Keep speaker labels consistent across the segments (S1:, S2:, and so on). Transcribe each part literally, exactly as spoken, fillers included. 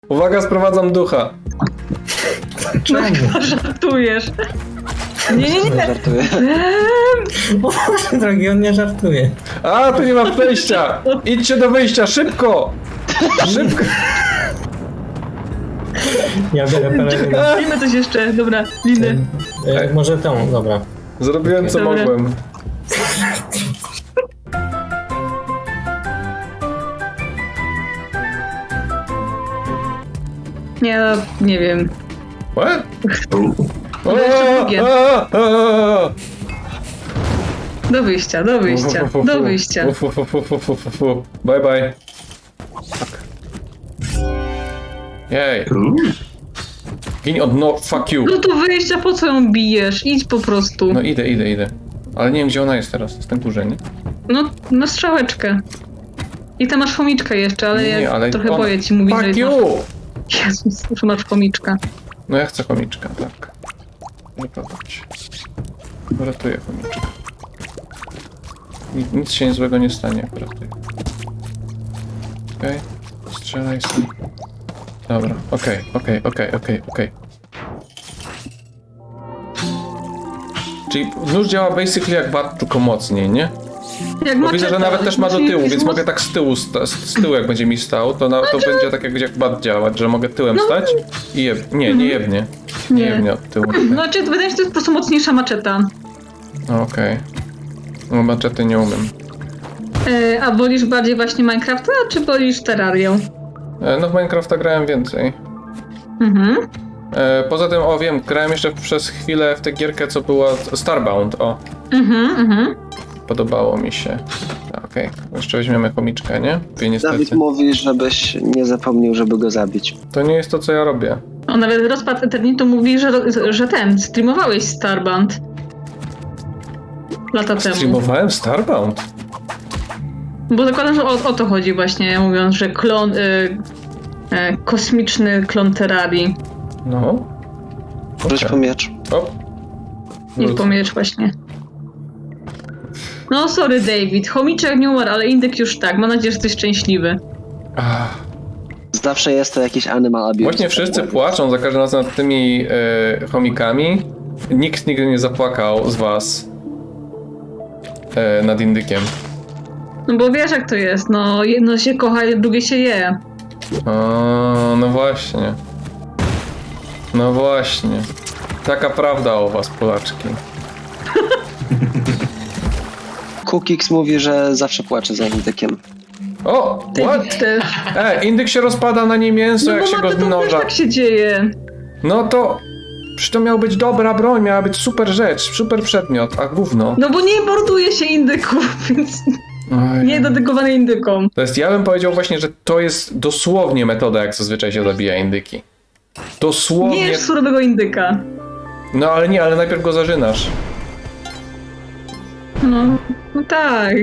S1: Uwaga, sprowadzam ducha.
S2: Czemu?
S3: No, żartujesz. Nie, nie, nie.
S4: Żartuję.
S2: O, drogi, on nie żartuje.
S1: A, tu nie ma przejścia! Idźcie do wyjścia, szybko! Szybko!
S2: Ja biorę pelerynę.
S3: Wiemy coś jeszcze. Dobra, liny.
S2: E, może tą, dobra.
S1: Zrobiłem co
S3: Dobra.
S1: mogłem.
S3: Nie, no, nie wiem.
S1: What?
S3: To jeszcze drugie.
S1: A, a, a.
S3: Do wyjścia, do wyjścia, do wyjścia.
S1: Uf, uf, uf, uf, uf, uf, uf. Bye bye. Fuck. Jej. Gin od no, fuck you.
S3: No to wyjścia, po co ją bijesz? Idź po prostu.
S1: No idę, idę, idę. Ale nie wiem gdzie ona jest teraz, jest na górze, nie?
S3: No, na strzałeczkę. I tam masz chomiczkę jeszcze, ale
S1: Nie,
S3: ja
S1: nie, ale
S3: trochę
S1: ona-
S3: boję ci mówić, że
S1: Fuck
S3: masz...
S1: you!
S3: Jezus, że masz chomiczka.
S1: No ja chcę chomiczka, tak. Wyprowadź. Uratuję chomiczka. Nic, nic się złego nie stanie, akurat tutaj. Okej. Okay. Strzelaj sobie. Dobra, okej, okej, okej, okej, okej. Czyli nóż działa basically jak bat, tylko mocniej, nie?
S3: Jak
S1: Bo widzę, że
S3: maczeta,
S1: nawet też ma do
S3: czyli
S1: tyłu,
S3: jakiś
S1: więc
S3: moc-
S1: mogę tak z tyłu, sta- z z tyłu jak będzie mi stał, to, na, to będzie tak jak, jak bat działać, że mogę tyłem stać i jeb... Nie, nie jebnie. Nie
S3: Nie.
S1: jebnie od tyłu.
S3: Znaczy, wydaje mi się, że to jest po prostu mocniejsza maczeta.
S1: No, okej. No maczety nie umiem.
S3: E, a wolisz bardziej właśnie Minecrafta, czy wolisz Terrarię?
S1: E, No w Minecrafta grałem więcej.
S3: Mhm.
S1: E, Poza tym, o wiem, grałem jeszcze przez chwilę w tę gierkę, co była Starbound, o.
S3: Mhm, mhm.
S1: Podobało mi się. A, Okej, jeszcze weźmiemy chomiczkę, nie? I niestety.
S4: Dawid mówi, żebyś nie zapomniał, żeby go zabić.
S1: To nie jest to, co ja robię.
S3: O, nawet rozpad Eternitu mówi, że, że ten, streamowałeś Starband. Lata temu.
S1: Streamowałem Starbound?
S3: Bo zakładam, że o, o to chodzi właśnie, mówiąc, że klon... Y, y, kosmiczny klon Terrarii.
S1: No.
S4: Wróć
S1: Okej.
S4: po miecz.
S1: O.
S3: Nie
S1: Wróć.
S3: pomierz właśnie. No sorry David, chomiczek nie umarł, ale indyk już tak. Mam nadzieję, że jesteś szczęśliwy.
S1: Ach.
S4: Zawsze jest to jakiś animal abuse.
S1: Właśnie wszyscy płaczą za każdym razem nad tymi e, chomikami. Nikt nigdy nie zapłakał z was e, nad indykiem.
S3: No bo wiesz jak to jest, no jedno się kocha, drugie się je.
S1: O, no właśnie. No właśnie. Taka prawda o was, Polaczki.
S4: Cookix mówi, że zawsze płacze za indykiem.
S1: O, what?
S3: David też.
S1: E, indyk się rozpada na nie mięso,
S3: No
S1: jak
S3: bo
S1: się go
S3: mamy, to też
S1: zmnoża.
S3: tak się dzieje.
S1: No to... Przecież to miała być dobra broń, miała być super rzecz, super przedmiot, a gówno.
S3: No bo nie morduje się indyków, więc
S1: Oj.
S3: nie dedykowane indykom.
S1: To jest, ja bym powiedział właśnie, że to jest dosłownie metoda, jak zazwyczaj się zabija indyki. Dosłownie...
S3: Nie jesz surowego indyka.
S1: No ale nie, ale najpierw go zażynasz.
S3: No, no tak.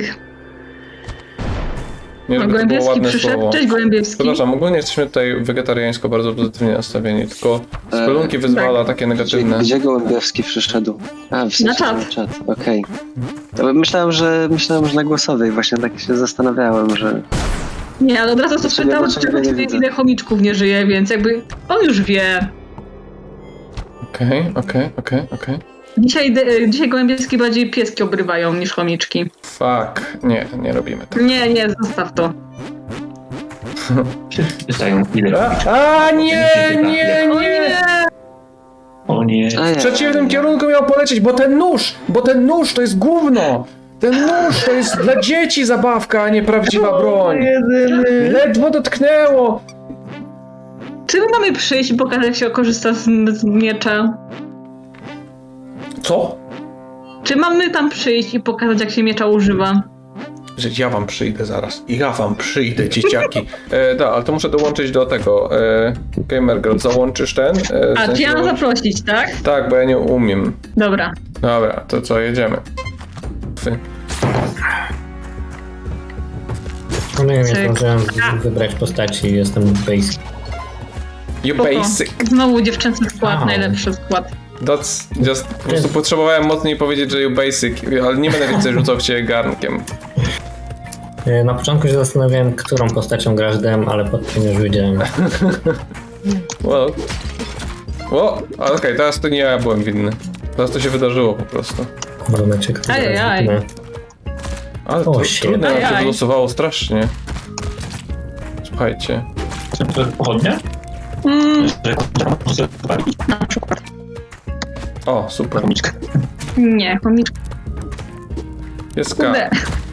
S1: Nie,
S3: No,
S1: żeby to było
S3: Gołębiewski
S1: ładne
S3: przyszedł.
S1: słowo.
S3: Cześć Gołębiewski.
S1: Przepraszam, ogólnie jesteśmy tutaj wegetariańsko bardzo pozytywnie nastawieni, tylko spelunki
S4: E,
S1: wyzwala
S3: tak.
S1: takie
S4: Gdzie,
S1: negatywne.
S4: gdzie Gołębiowski przyszedł? A, w sensie
S3: Na czat.
S4: na czat. Okej. To Myślałem, że myślałem, że na głosowej. Właśnie tak się zastanawiałem, że...
S3: Nie, ale od razu to
S4: Dlaczego-
S3: spytał,
S4: dlaczego
S3: czy
S4: nie widzę?
S3: ile chomiczków nie żyje, więc jakby on już wie.
S1: Okej, okej, okej, okej.
S3: Dzisiaj, de- dzisiaj Gołębiewski bardziej pieski obrywają niż chomiczki.
S1: Fuck, nie, nie robimy tak.
S3: Nie, nie, zostaw to.
S5: Wszyscy pytają, ile
S1: A,
S5: robicie.
S1: a nie, nie,
S3: O
S1: nie!
S3: nie!
S5: O nie.
S4: A,
S1: W przeciwnym kierunku miał polecieć, bo ten nóż, bo ten nóż to jest gówno! Ten nóż to jest dla dzieci zabawka, a nie prawdziwa broń. Ledwo dotknęło.
S3: Czy my mamy przyjść i pokazać, jak się korzysta z, z miecza?
S1: Co?
S3: Czy mamy tam przyjść i pokazać, jak się miecza używa?
S1: Że ja wam przyjdę zaraz. Ja wam przyjdę, dzieciaki. E, da, ale to muszę dołączyć do tego. E, Gamer Girl, załączysz ten? E, w
S3: A,
S1: sensie
S3: czy ja mam
S1: dołącz-
S3: zaprosić, tak?
S1: Tak, bo ja nie umiem.
S3: Dobra.
S1: Dobra, to co, jedziemy. Fy.
S2: No nie wiem, nie
S3: Cyk.
S2: zdążyłem wybrać postaci i jestem basic.
S1: You
S3: Spoko.
S1: basic.
S3: Znowu dziewczęcy skład,
S2: Au.
S3: najlepszy skład.
S1: That's just... Po prostu potrzebowałem mocniej powiedzieć, że you basic, ale nie będę więcej rzucał w ciebie garnkiem.
S2: E, Na początku się zastanawiałem, którą postacią grasz dem, ale potem już wiedziałem.
S1: Well. O, ale okej, teraz to nie ja byłem winny. Teraz to się wydarzyło po prostu.
S2: Marmeczek, to
S3: Ajajaj.
S2: zaraz
S1: Ale
S2: O,
S1: to
S2: shit.
S1: trudno nam się
S3: Ajaj.
S1: wylosowało strasznie. Słuchajcie.
S5: Czy to jest pochodnia?
S3: Mm,
S5: Że
S3: na przykład.
S1: O, super.
S5: Komiczka.
S3: Nie, komiczka.
S1: Jest K.
S3: Kurde.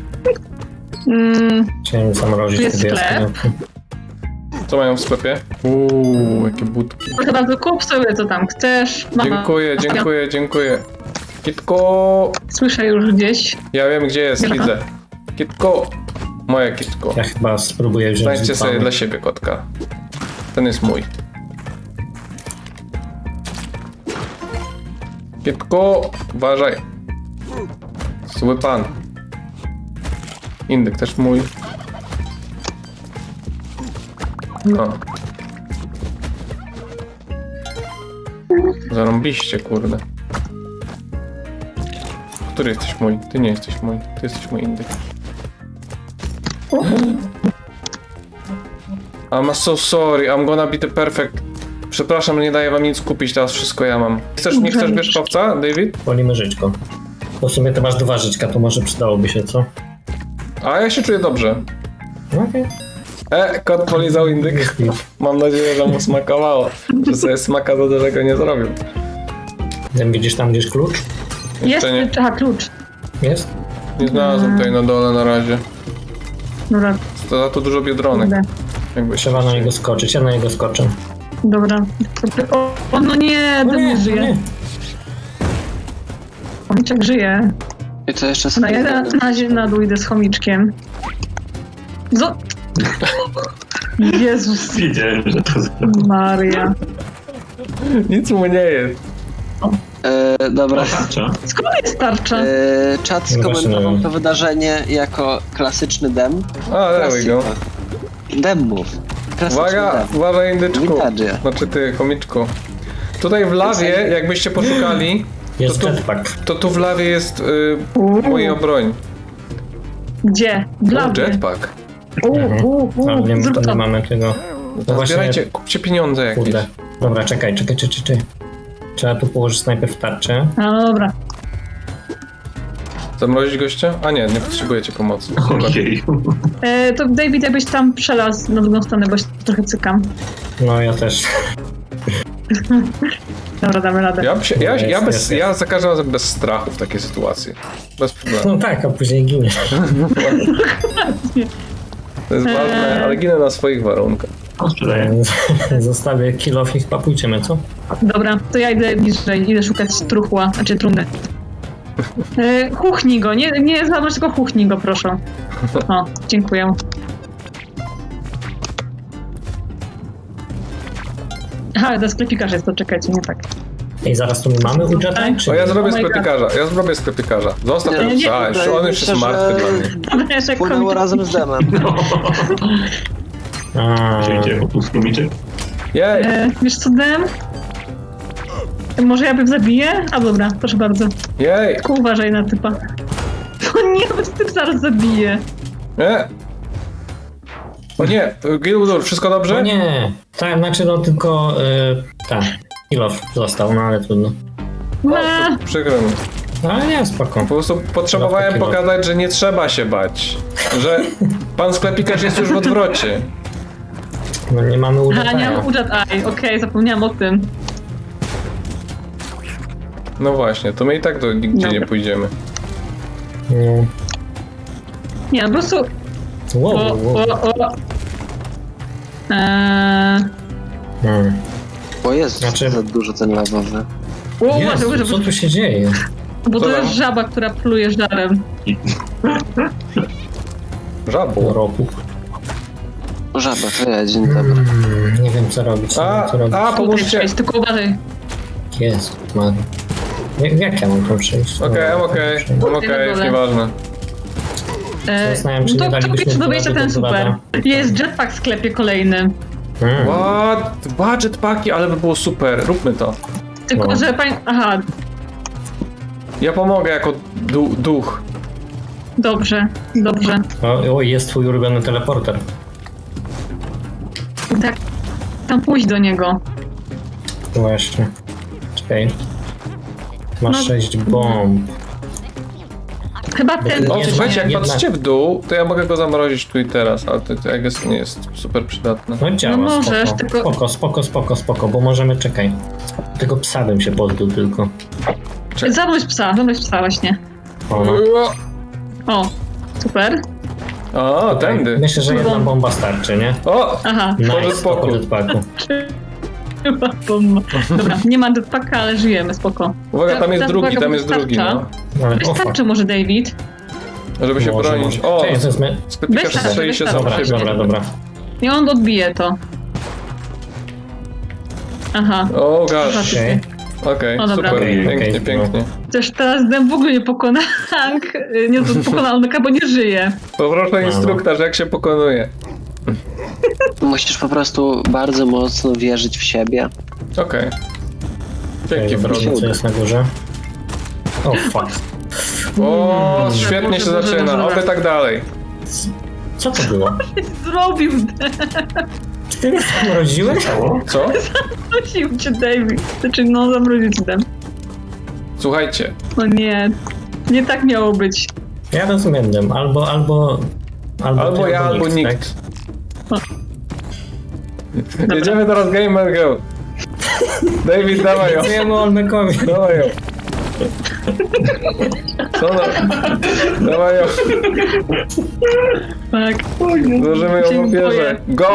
S3: Mm,
S2: Chciałem zamrozić
S3: Jest
S2: sobie
S3: sklep.
S2: jaskinię.
S1: Co mają w sklepie? Uuu, jakie budki.
S3: proszę bardzo, kup sobie co tam chcesz. Mama.
S1: Dziękuję, dziękuję, dziękuję. Kitko!
S3: Słyszę już gdzieś.
S1: Ja wiem gdzie jest,
S3: Aha.
S1: widzę. Kitko! Moje kitko.
S2: Ja chyba spróbuję wziąć
S1: Znajdźcie sobie
S2: zupę.
S1: dla siebie kotka. Ten jest mój. Kitko! Uważaj. Zły pan. Indyk też mój. No. Zarąbiście, kurde. Który jesteś mój? Ty nie jesteś mój. Ty jesteś mój indyk. I'm so sorry, I'm gonna be the perfect. Przepraszam, nie daję wam nic kupić, teraz wszystko ja mam. Chcesz, nie chcesz wierzchowca, David?
S2: Wolimy żyćko. Bo w sumie to masz dwa żyćka, to może przydałoby się, co?
S1: A ja się czuję dobrze.
S2: No okej.
S1: E, kot polizał indyk.
S2: Jest git.
S1: Mam nadzieję, że mu smakowało. Że sobie smaka za dużego nie zrobił.
S2: Dem, widzisz tam gdzieś klucz?
S3: Jest,
S1: Jeszcze nie.
S3: aha, klucz.
S2: Jest?
S1: Nie znalazłem tutaj na dole na razie.
S3: Dobra,
S1: To za to dużo biedronek.
S3: kurde.
S1: Jakby
S2: Trzeba na niego skoczyć, ja na niego skoczę.
S3: Dobra. O, o no nie,
S2: No
S3: ten nie
S2: no
S3: żyje. Chomiczek żyje.
S4: I to jeszcze
S3: No
S4: sobie...
S3: ja na, na, zie- na dół idę z chomiczkiem. Zo... Jezus
S5: Wiedziałem, że to zrobię.
S3: Maria.
S1: Nic mu nie jest.
S4: E, dobra.
S5: Otacza.
S3: Skąd jest tarcza?
S4: E, czat
S2: No właśnie,
S4: skomentował
S2: nie wiem.
S4: to wydarzenie jako klasyczny dem.
S1: A, there we go.
S4: Demów. Klasyczny
S1: Uwaga,
S4: dem.
S1: uważaj indyczku.
S4: Vintage.
S1: Znaczy ty, chomiczku. Tutaj w lawie, jakbyście poszukali,
S2: Jest
S1: to tu-
S2: jetpack.
S1: to tu w lawie jest y,
S3: Uuu.
S1: moja broń.
S3: Gdzie? W
S1: O,
S3: lawie.
S1: jetpack.
S3: Uuu, uuu,
S2: Ale
S3: uuu.
S2: nie,
S3: Zrób
S2: to nie
S3: to.
S2: mamy tego. No właśnie,
S1: Zbierajcie, kupcie pieniądze jakieś.
S2: kurde. Dobra, czekaj, czekaj, czekaj, czekaj. Trzeba tu położyć najpierw tarczę.
S3: A, no dobra.
S1: Zamrozić gościa? A nie, nie potrzebujecie pomocy. Super.
S5: Ojej.
S3: E, to David, jakbyś tam przelazł na drugą stronę, bo się trochę cykam.
S2: No ja też.
S3: Dobra, damy radę.
S1: Ja, się, ja, ja,
S2: Jest,
S1: bez,
S2: jest,
S1: ja za każdym razem bez strachu w takiej sytuacji. Bez problemu.
S2: No tak, a później ginie.
S1: To jest ważne, ale ginę na swoich warunkach.
S5: On sprzedaje.
S2: Zostawię kill off i chyba pójdziemy, co?
S3: Dobra, to ja idę bliżej, idę szukać truchła, znaczy trumny. E, chuchnij go, nie, nie zabrać, tylko chuchnij go, proszę. O, dziękuję. Aha, to sklepikarz jest, to czekajcie, nie tak.
S2: Ej, zaraz tu my mamy Ujataj, czy
S1: O, ja
S2: nie?
S1: zrobię
S3: Oh my God.
S1: sklepikarza, ja zrobię sklepikarza. Zostaw
S4: Nie,
S1: tego
S3: nie,
S1: psa,
S4: nie,
S1: już on już
S4: myślę,
S1: jest martwy
S4: że-
S1: dla mnie.
S3: Dobra, jeszcze
S4: Płynęło
S3: komiczek.
S4: razem z demem.
S2: A,
S5: Wzięcie po prostu komiczek.
S1: Jej!
S3: E, wiesz co, Dem? Może ja bym zabiję? A dobra, proszę bardzo.
S1: Jej!
S3: Tylko uważaj na typa. O nie, bo typ zaraz zabije.
S1: Nie! O nie! Gildur, wszystko
S2: no
S1: dobrze?
S2: nie. Tak, znaczy no tylko... Y, tak, kill off został, no ale trudno.
S3: No,
S1: O, przykro mi.
S2: No ale nie, spoko.
S1: Po prostu potrzebowałem
S2: Kill off.
S1: pokazać, że nie trzeba się bać. Że pan sklepikarz jest już w odwrocie.
S2: No nie mamy
S3: a nie
S2: Ujataja.
S3: mam Ujat Eye, okej, zapomniałam o tym.
S1: No właśnie, to my i tak do nigdzie nie
S3: Dobra.
S1: pójdziemy.
S2: Nie.
S3: Nie, po prostu...
S2: Wow,
S3: O,
S2: wow, wow.
S3: o, o. Eee...
S2: Hmm.
S4: Bo jest
S2: Znaczy-
S4: za dużo ten lawowy.
S3: O, uważaj,
S2: Jezu,
S3: uważaj,
S2: co tu się dzieje?
S3: bo
S1: Co
S3: to
S1: tam?
S3: jest żaba, która pluje żarem.
S1: Żabu.
S2: Roku.
S4: Żaba, to ja, dzień dobry.
S2: Hmm, nie wiem co robić, nie
S1: A,
S2: wiem co robić.
S1: a,
S3: Tutaj
S1: pomóżcie!
S3: przejść, tylko uważaj.
S2: Jezu, man. Jak, jak ja mam tam przejść?
S1: Okej,
S2: Dobra,
S1: I'm
S2: tam
S1: okej,
S2: przejdę.
S1: I'm okej, już nieważne.
S3: Eee,
S2: Zastanawiam się,
S3: no
S2: nie
S3: to
S2: dalibyśmy
S3: pierwszy do wejścia
S2: do
S3: ten super.
S2: Dorada.
S3: Jest jetpack w sklepie kolejny.
S2: Hmm.
S1: What? Dwa jetpacki, ale by było super, róbmy to.
S3: Tylko,
S2: No.
S3: że pań... Aha,
S1: Ja pomogę jako du duch.
S3: Dobrze, dobrze.
S2: O, o, jest twój ulubiony teleporter.
S3: Tak, tam pójść do niego.
S2: Właśnie. Czekaj. Masz
S3: No.
S2: sześć bomb.
S3: Chyba ten...
S1: O,
S2: Jedna-
S1: słuchajcie, jak
S2: jedna-
S1: patrzycie w dół, to ja mogę go zamrozić tu i teraz, ale to, to jak jest, nie jest super przydatne.
S2: No działa,
S3: No możesz,
S2: spoko.
S3: tylko-
S2: spoko, spoko, spoko, spoko, bo możemy, czekaj. Tego psa bym się pozbył tylko.
S3: Zamroź psa, zamroź psa właśnie.
S2: O, no.
S3: O, super.
S1: O, tędy.
S2: Myślę, że jedna bomba starczy, nie?
S1: O!
S3: Aha,
S2: Nice,
S1: Pożyt
S2: to
S1: spoko.
S2: po jetpacku.
S3: chyba bomba. Dobra, nie ma jetpacka, ale żyjemy, spoko.
S1: Uwaga, tam jest
S3: Teraz
S1: drugi,
S3: uwaga,
S1: tam
S3: bo
S1: jest drugi,
S3: wystarcza.
S1: no.
S2: Ale, o, fuck.
S3: Wystarczy może, David.
S1: Żeby się
S2: Może,
S1: bronić.
S2: może.
S1: O!
S2: Cześć, to jest my...
S1: Sklepikarz
S3: Wystarczy,
S1: strzeli się
S3: wystarczy.
S1: sam
S2: Dobra,
S1: siebie.
S2: dobra, dobra.
S3: I on odbije to. Aha.
S1: O, gosh.
S2: Okej.
S1: Okej,
S3: O, dobra.
S1: super,
S2: Okej,
S1: pięknie,
S2: okej,
S1: pięknie.
S3: Też teraz Dem w ogóle nie pokona Hank. Nie, to pokona Olmeka, bo nie żyje.
S1: Poproszę instruktaż, jak się pokonuje.
S4: Musisz po prostu bardzo mocno wierzyć w siebie.
S1: Okej. Dzięki,
S2: Okej,
S1: Frodo.
S2: dobra, co jest na górze? O, fuck.
S1: O,
S3: Boże,
S1: świetnie
S3: Boże,
S1: się
S3: Boże,
S1: zaczyna,
S3: Boże.
S1: oby tak dalej.
S2: Co to było?
S3: Zrobił Dem.
S2: Czy ty mnie zamroziłeś?
S5: Ciało?
S1: Co?
S3: Prosił cię David. Znaczy, no, zamroził cię Dem.
S1: Słuchajcie,
S3: No nie. Nie tak miało być.
S2: Ja rozumiem, Dem. Albo, albo... Albo,
S1: albo
S2: ty,
S1: ja, albo
S2: tak?
S1: nikt. Jedziemy teraz Gamer Go. David, dawaj ją.
S2: Dziękujemy Olmekowi.
S1: Dawaj ją. Co no? Dawaj ją.
S3: Tak.
S1: Złożymy ją w
S3: Dziękuję.
S1: ofierze. Go!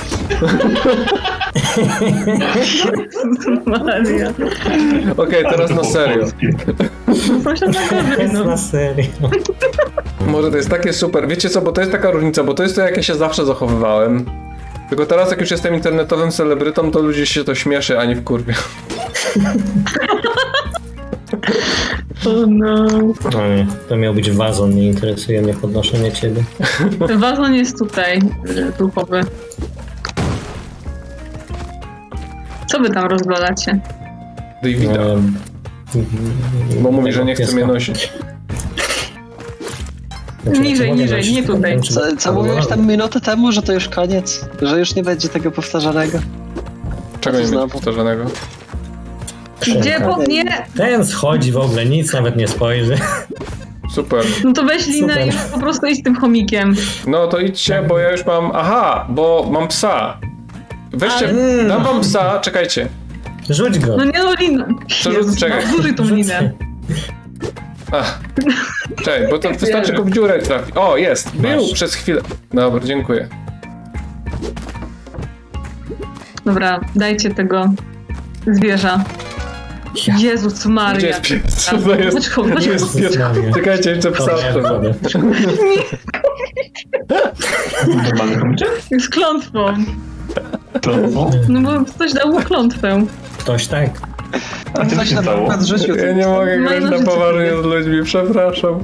S3: Maria.
S1: Okej, teraz na serio.
S3: Proszę na gorzej,
S2: Jest
S3: no.
S2: na serio.
S1: Może to jest takie super. Wiecie co, bo to jest taka różnica, bo to jest to, jak ja się zawsze zachowywałem. Tylko teraz, jak już jestem internetowym celebrytą, to ludzie się to śmieszy, a nie wkurwia.
S3: O no.
S2: No nie, to miał być wazon, nie interesuje mnie podnoszenie ciebie.
S3: Wazon jest tutaj, y, duchowy. Co wy tam rozglądacie?
S1: Davida.
S2: Ehm,
S1: Bo mówi,
S2: tego
S1: że nie chce
S2: pieska.
S1: mnie nosić.
S2: Znaczy,
S3: Niżej,
S2: mogę
S3: niżej,
S2: nosić,
S3: nie tutaj.
S2: wiem, czy-
S4: Co, co
S2: albo-
S4: mówiłeś tam minutę temu, że to już koniec? Że już nie będzie tego powtarzanego?
S1: Czego nie
S4: Znowu.
S1: będzie powtarzanego?
S3: Gdzie? Po... Nie!
S2: Ten schodzi w ogóle, nic nawet nie spojrzy.
S1: Super.
S3: No to weź linę
S2: Super.
S3: i po prostu idź z tym chomikiem.
S1: No to idźcie, bo ja już mam... Aha, bo mam psa. Weźcie,
S2: Ale-
S1: dam wam psa, czekajcie.
S2: Rzuć go.
S3: No nie no linę.
S1: Co,
S3: Jezus,
S1: czekaj.
S3: no, zużyj tą linę.
S1: Ach. Czekaj, bo to wystarczy go w dziurę trafić. O, jest, był
S2: Masz.
S1: przez chwilę. Dobra, dziękuję.
S3: Dobra, dajcie tego zwierza.
S2: Ja.
S3: Jezus Maria.
S1: Gdzie jest pies? Co to jest?
S3: Chodź, chodź,
S1: Gdzie
S3: chodź.
S1: jest pies?
S2: Maria.
S1: Czekajcie, jeszcze psa
S2: Dobra,
S1: trzeba.
S2: dobra.
S5: Normalny komiczek?
S3: Z klątwą.
S5: To no.
S3: No bo ktoś dał mu klątwę.
S2: Ktoś tak.
S5: A co
S4: Coś
S5: się
S4: na
S5: stało?
S4: przykład rzucił.
S1: Ja nie mogę grać
S3: No i
S1: na
S3: no,
S1: poważnie
S3: rzeczywiście.
S1: z ludźmi, przepraszam.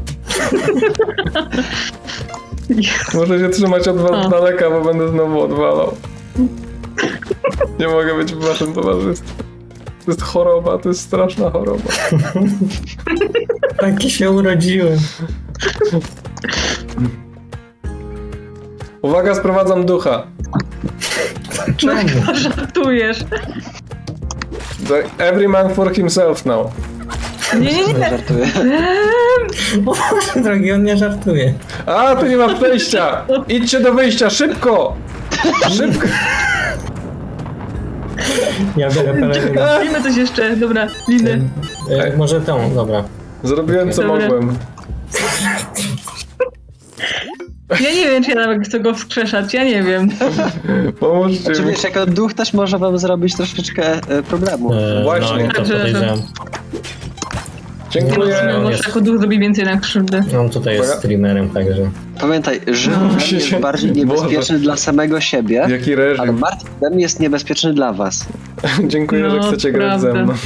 S1: Muszę się trzymać od was
S3: O.
S1: z daleka, bo będę znowu odwalał. Nie mogę być w waszym towarzystwie. To jest choroba, to jest straszna choroba.
S2: Taki się urodziłem.
S1: Uwaga, sprowadzam ducha.
S3: No chyba żartujesz.
S1: The- Every man for himself now.
S3: Nie, nie, nie.
S4: Żartuję.
S3: Eee,
S2: O Boże drogi, on nie żartuje.
S1: A, tu nie ma przejścia! Idźcie do wyjścia, szybko! Szybko!
S2: Ja biorę pelerynę.
S3: Robimy coś jeszcze. Dobra, liny.
S2: E, może tą, dobra.
S1: Zrobiłem co
S3: Dobra.
S1: mogłem.
S3: Ja nie wiem, czy ja nawet chcę go wskrzeszać. Ja nie wiem.
S1: Pomóżcie
S4: Czy
S1: mi.
S4: wiesz, jako duch też może wam zrobić troszeczkę e, problemu.
S2: E,
S1: Właśnie.
S2: No, i to
S3: Także, że-
S2: podejrzewam.
S1: Dziękuję.
S3: No, może jako duch zrobi więcej na krzywdy.
S2: On tutaj jest
S1: Uwaga.
S2: streamerem, także.
S4: Pamiętaj, żył
S3: No.
S4: Dem jest bardziej niebezpieczny dla samego siebie,
S1: Jaki
S4: ale
S1: reżim.
S4: martwy Dem jest niebezpieczny dla was.
S1: Dziękuję, że
S3: No,
S1: chcecie grać ze
S3: prawda.
S1: mną.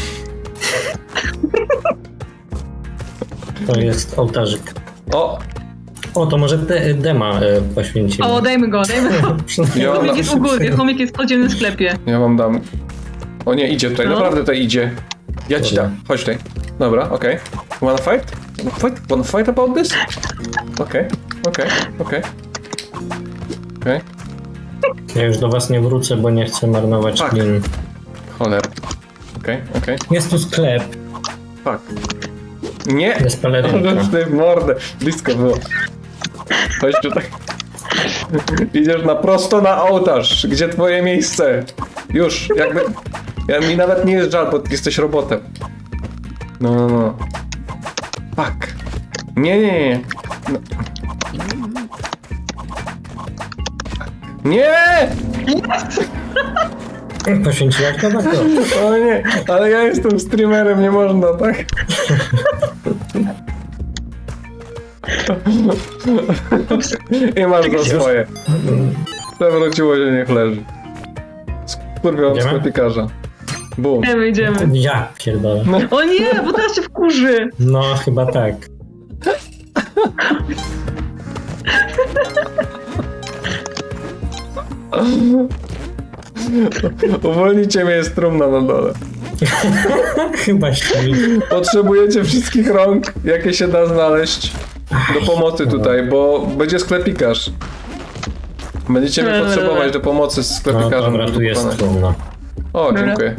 S2: To jest ołtarzyk.
S1: O!
S2: O, to może de, dema e, poświęcimy.
S3: O, dajmy go, dajmy go.
S1: Ja wam,
S3: Chomik jest u góry, chomik jest w podziemnym sklepie.
S1: ja wam dam. O nie, idzie tutaj,
S3: No.
S1: naprawdę tutaj idzie. Ja ci
S2: Dobra.
S1: dam, chodź tutaj. Dobra, okej. Wanna fight? Wanna fight? Wanna fight about this? okej, okej, okej. Okej,
S2: Ja już do was nie wrócę, bo nie chcę marnować
S1: Tak.
S2: lin.
S1: cholera. Okej, okej,
S2: Jest tu sklep,
S1: fuck. Nie!
S2: jest pelerynka.
S1: Ty w mordę. Blisko było. Chodź tutaj. Idziesz na prosto na ołtarz. Gdzie twoje miejsce? Już, jakby... Ja, mi nawet nie jest żal, bo jesteś robotem. No, no, no. Fuck. Nie, nie, nie. No. Nie!
S2: Poświęciłaś to bardzo.
S1: O nie, ale ja jestem streamerem, nie można, tak? I masz za swoje. Przewróciło się, niech leży. Skurwiałam
S2: Idziemy?
S1: sklepikarza. Bum.
S3: Idziemy, idziemy.
S2: Ja pierdolę.
S3: O nie, bo teraz się wkurzy.
S2: No, chyba tak.
S1: Uwolnijcie mnie, jest trumna na dole.
S2: Chyba śpi.
S1: Potrzebujecie wszystkich rąk, jakie się da znaleźć do pomocy tutaj, bo będzie sklepikarz. Będziecie mnie
S3: Dobra,
S1: potrzebować
S3: dobra.
S1: do pomocy z
S2: No
S1: sklepikarzem.
S2: dobra, tu jest
S1: wykonać.
S2: trumna.
S1: O,
S3: Dobra.
S1: dziękuję.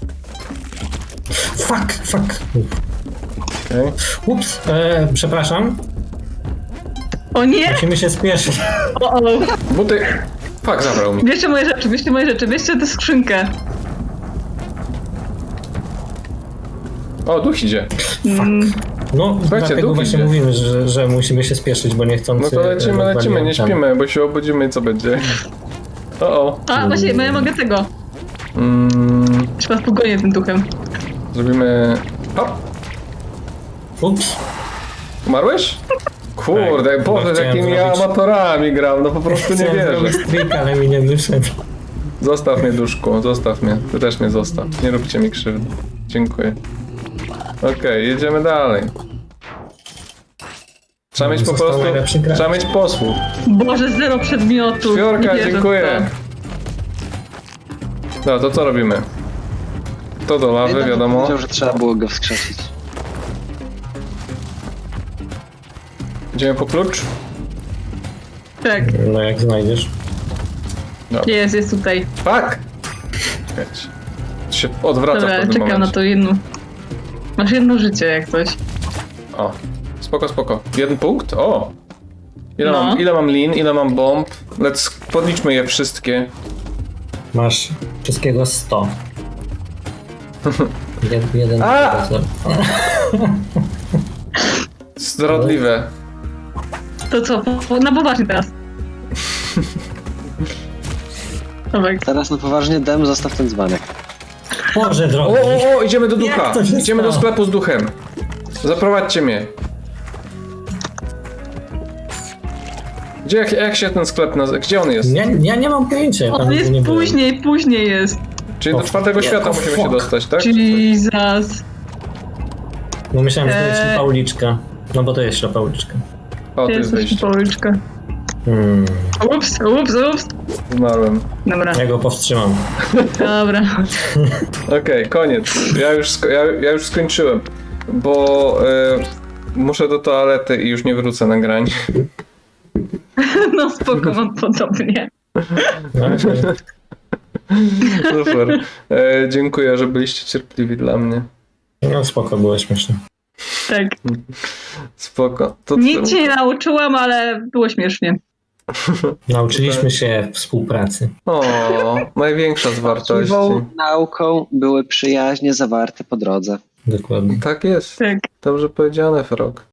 S2: Fuck, fuck.
S1: Okay.
S2: Ups, e, przepraszam.
S3: O nie!
S2: Musimy się spieszyć.
S3: O, o.
S1: Buty... Fuck, zabrał mi.
S3: Bierzcie moje rzeczy, bierzcie moje rzeczy, bierzcie tę skrzynkę.
S1: O, duch idzie.
S3: Mm,
S2: No,
S1: Słuchajcie,
S2: dlatego
S1: duch
S2: właśnie
S1: idzie.
S2: mówimy, że, że musimy się spieszyć, bo niechcący...
S1: No to lecimy,
S2: rozwaliłem
S1: lecimy, nie
S2: ten.
S1: śpimy, bo się obudzimy i co będzie. O, o.
S3: a, właśnie, bo ja mogę tego.
S1: Mm,
S3: Trzeba pogonię tym duchem.
S1: zrobimy... Hop!
S2: Ups.
S1: Umarłeś? Kurde,
S2: Tak,
S1: Boże,
S2: bo
S1: z
S2: chciałem
S1: jakimi
S2: zrobić-
S1: amatorami gram, no po prostu nie
S2: Chciałem
S1: wierzę.
S2: zrobić trik, ale mi nie wyszedł.
S1: Zostaw mnie, duszku, zostaw mnie. Ty też mnie zostaw. Nie róbcie mi krzywdy. Dziękuję. Okej, jedziemy dalej. Trzeba mieć po
S2: Został
S1: prostu...
S2: najlepszy gracz.
S1: Trzeba mieć posłuch.
S3: Boże, zero przedmiotów.
S1: Fiorka,
S3: Nie wierzę w
S1: dziękuję. No, to co robimy? To do lawy,
S4: Jednak
S1: wiadomo.
S4: Powiedział, że trzeba było go wskrzesić.
S1: Idziemy po klucz?
S3: To. Tak,
S2: No jak znajdziesz.
S3: jest, jest tutaj.
S1: Fuck! Czekajcie. To się odwraca w
S3: Dobra,
S1: pewnym
S3: czekam na
S1: momencie.
S3: to jedno. Masz jedno życie jak coś.
S1: O, spoko, spoko. Jeden punkt? O! Ile,
S3: No.
S1: mam, ile mam lin, ile mam bomb? Let's podliczmy je wszystkie.
S2: Masz wszystkiego sto. Jeden, jeden
S1: A!
S2: procent.
S1: Zdradliwe.
S3: To co, po, po, na poważnie teraz. Dobra,
S4: Teraz na poważnie, Dem, zostaw ten dzbanek.
S2: Boże
S1: O,
S2: drogi.
S1: o, o, idziemy do
S2: Jak
S1: ducha.
S2: to się
S1: Idziemy do
S2: stało?
S1: sklepu z duchem. Zaprowadźcie mnie. Gdzie, jak, jak się ten sklep nazywa? Gdzie on jest?
S2: Ja, ja nie mam pojęcia. ja tam
S3: on
S2: nigdy
S3: jest
S2: nie byłem.
S3: później, później jest.
S1: Czyli do
S2: O,
S1: czwartego
S2: jak-
S1: świata
S2: o,
S1: musimy
S2: fuck.
S1: się dostać, tak?
S3: Jesus.
S2: No myślałem, że to jest
S3: Eee.
S2: ślepa uliczka. No bo to jest ślepa uliczka.
S1: O, tu jest
S3: Jest
S1: wyjście.
S3: policzka.
S2: Hmm.
S3: Ups, ups, ups.
S1: Zmarłem.
S3: Dobra,
S2: Ja go powstrzymam.
S3: dobra.
S1: Okej, koniec. Ja już, sko- ja, ja już skończyłem. Bo e, muszę do toalety i już nie wrócę na grań.
S3: No spoko, mam podobnie.
S2: No, okej.
S1: Super. E, dziękuję, że byliście cierpliwi dla mnie.
S2: no spoko, było śmieszne.
S3: Tak.
S1: Spoko. To,
S3: Nic się nie nauczyłam, ale było śmiesznie.
S2: Nauczyliśmy się współpracy.
S1: O, największa z wartości.
S4: Właściwą nauką były przyjaźnie zawarte po drodze.
S2: Dokładnie.
S1: Tak jest.
S3: Tak.
S1: Dobrze powiedziane, Frog.